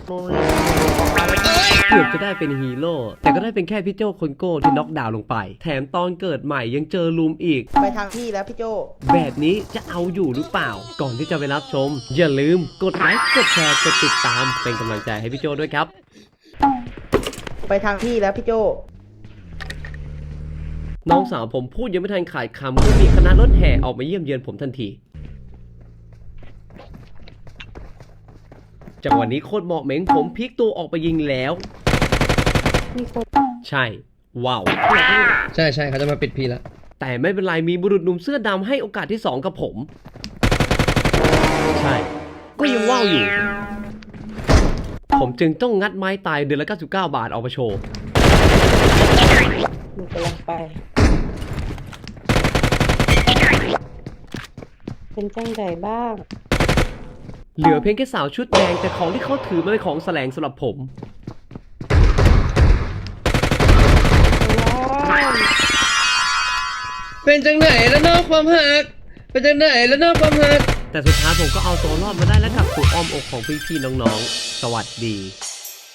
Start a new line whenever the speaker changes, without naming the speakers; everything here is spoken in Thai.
เกือบจะได้เป็นฮีโร่แต่ก็ได้เป็นแค่พี่โจคนโก้ที่น็อกดาวน์ลงไปแถมตอนเกิดใหม่ยังเจอลุมอีก
ไปทางที่แล้วพี่โจ
แบบนี้จะเอาอยู่หรือเปล่าก่อนที่จะไปรับชมอย่าลืมกดไลค์กดแชร์กดติดตามเป็นกำลังใจให้พี่โจด้วยครับ
ไปทางที่แล้วพี่โจ
น้องสาวผมพูดยังไม่ทันขาดคำก็มีคณะรถแห่ออกมาเยี่ยมเยือนผมทันทีจังหวะนี้โคตรเหมาะเหม็งผมพลิกตัวออกไปยิงแล้ว
มีคน
ใช่ว้าว
ใช่เขาจะมาปิดพีแล้ว
แต่ไม่เป็นไรมีบุรุษหนุ่มเสื้อดำให้โอกาสที่2กับผมใช่ก็ยังว้าวอยู่ผมจึงต้องงัดไม้ตายเดือนละ99 บาทออกมาโชว์
หนูกำลังไปเป็นจังใดบ้าง
เหลือเพียงแค่สาวชุดแดงแต่ของที่เขาถือมันเป็นของแสลงสำหรับผม
เป็นจังไหนแล้วนอกความหักเป็นจังไหนแล้วนอกความหัก
แต่สุดท้ายผมก็เอาตัวรอดมาได้และกลับสู่อ้อมอกของพี่ๆน้องๆสวัสดี